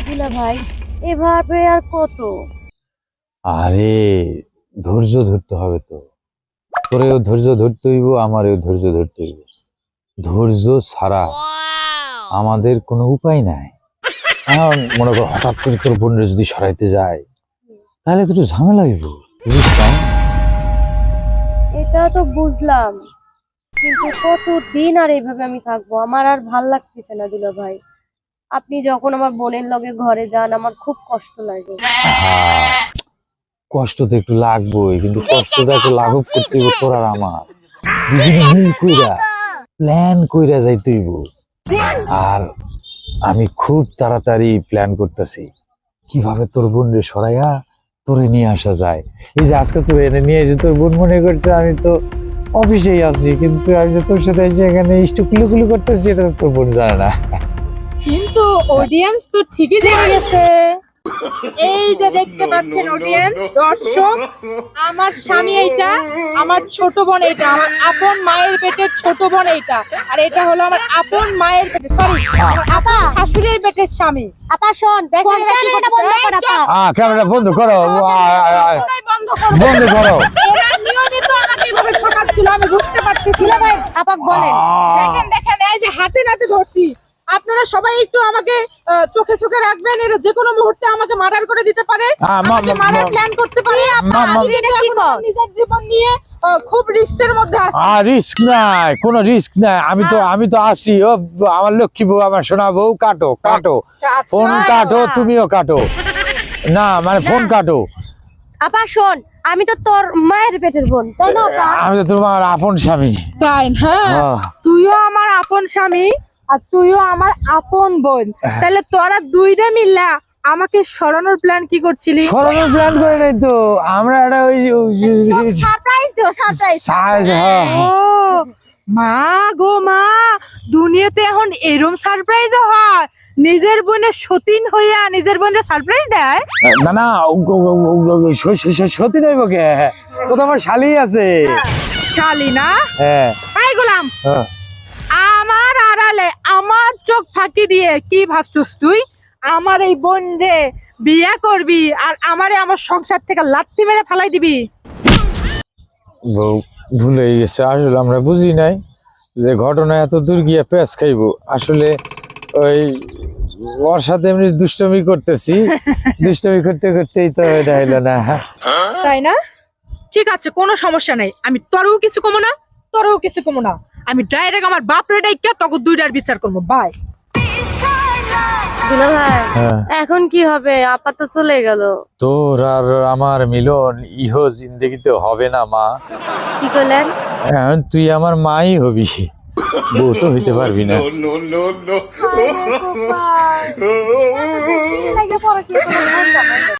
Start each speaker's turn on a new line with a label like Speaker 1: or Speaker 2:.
Speaker 1: দুলা ভাই, এভাবে আর কত?
Speaker 2: আরে ধৈর্য ধরতে হবে তো। তোরেও ধৈর্য ধরতে হইব, আমারও ধৈর্য ধরতে হইব। ধৈর্য ছাড়া আমাদের কোনো উপায় নাই। এখন মনে কর হঠাৎ করে তোর বোনের যদি সরাইতে যায় তাহলে তো একটু ঝামেলা হইব, বুঝছেন?
Speaker 1: এটা তো বুঝলাম, কিন্তু কতদিন আর এইভাবে আমি থাকবো? আমার আর ভাল লাগতেছে না দুলা ভাই। আপনি যখন আমার বোনের লগে ঘরে যান আমার খুব কষ্ট লাগে।
Speaker 2: হ্যাঁ, কষ্ট তো একটু লাগবেই, কিন্তু কষ্টটা একটু লাঘব করতে হইব তোর আর আমার। দুজনে মিল কইরা প্ল্যান কইরা যাইতে হইব। আর আমি খুব তাড়াতাড়ি প্ল্যান করতেছি কিভাবে তোর বোনরে সরাইয়া তোরে নিয়ে আসা যায়। এই যে আজকে তোর এনে নিয়ে এসে তোর বোন মনে করছে আমি তো অফিসেই আছি, কিন্তু আমি যে তোর সাথে এসে এখানে কুলুকুলু করতেছি এটা তো তোর বোন জানে না।
Speaker 3: কিন্তু অডিয়েন্স তো ঠিকই জেনে গেছে। এই যে দেখতে পাচ্ছেন অডিয়েন্স, দর্শক, আমার স্বামী এইটা, আমার ছোট বোন এইটা, আমার আপন মায়ের পেটের ছোট বোন এইটা, আর এটা হলো আমার আপন মায়ের পেটের, সরি, আপন শাশুড়ির পেটের স্বামী।
Speaker 1: আপা শোন, ক্যামেরাটা বন্ধ কর আপা।
Speaker 2: ক্যামেরা বন্ধ করো,
Speaker 3: বন্ধ করো,
Speaker 2: বন্ধ করো।
Speaker 3: এরা নিয়মিত আমাকে এভাবে ঠকাচ্ছিল, আমি বুঝতে পারতেছি।
Speaker 1: দুলা ভাই আপাক বলেন।
Speaker 3: দেখেন দেখেন, এই যে হাতে নাতে ধরছি। আপনারা সবাই একটু আমাকে চোখে চোখে রাখবেন, এরা যে কোনো মুহূর্তে আমাকে মার্ডার করে দিতে পারে, আমাকে মারার প্ল্যান করতে পারে। আমি কিন্তু এখন আমার নিজের জীবন নিয়ে খুব রিস্কের মধ্যে আছি।
Speaker 2: রিস্ক নাই, কোনো রিস্ক নাই। আমি তো আছি। ও আমার লক্ষ্মী বউ, আমার সোনা বউ, কাটো কাটো ফোন কাটো, তুমিও কাটো না, মানে ফোন কাটো।
Speaker 1: আপা শোন, আমি তো তোর মায়ের পেটের বোন, তাই না আপা?
Speaker 2: আমি তো তোমার আপন স্বামী।
Speaker 3: তাই না? তুইও আমার আপন স্বামী আর তুইও আমার আপন বোন, তাহলে তোরা দুইটা মিল্লা আমাকে সরানোর প্ল্যান কি করছিলি?
Speaker 2: সরানোর প্ল্যান করে নাই তো আমরা, একটা ওই
Speaker 1: সারপ্রাইজ দিও, সারপ্রাইজ।
Speaker 3: ও মা গো মা, দুনিয়াতে এখন এরম সারপ্রাইজ হয়? নিজের বোনের সতীন হইয়া নিজের বোনের সারপ্রাইজ দেয়?
Speaker 2: না না, সত্যি নইব কে, ও তো আমার শালি আছে।
Speaker 3: শালি না?
Speaker 2: হ্যাঁ
Speaker 3: এই গোলাম,
Speaker 2: হ্যাঁ।
Speaker 3: আমার আড়ালে আমার চোখ ফাঁকি দিয়ে কি ভাবছিস তুই? আমার এই বোন রে বিয়ে করবি আর আমারে আমার সংসার থেকে লাত্তি মেরে ফেলাই দিবি?
Speaker 2: বউ ভুলে গেছে, আসলে আমরা বুঝি নাই যে ঘটনা এত দূর গিয়ে পেঁচ খাইব। আসলে ওই ওর সাথে এমনি দুষ্টমি করতেছি, দুষ্টমি করতে করতেই তো এটা হইলো না।
Speaker 3: তাই না? ঠিক আছে, কোনো সমস্যা নাই, আমি তোরও কিছু কমো না, তোরও কিছু কমো না, আমি ডাইরেক্ট আমার বাপ রে ডাইকা তোকে দুইটার বিচার করবো। বাই।
Speaker 1: দুলা ভাই,
Speaker 2: হ্যাঁ।
Speaker 1: এখন কি হবে? আপা তো চলে গেল।
Speaker 2: তোর আর আমার মিলন ইহো জিন্দগিতে হবে না মা।
Speaker 1: কি করলেন?
Speaker 2: এখন তুই আমার মাই হবি, বউ তো হইতে পারবি না।
Speaker 1: হায় রে কপাল। এত দিন লাগে পরে কি করে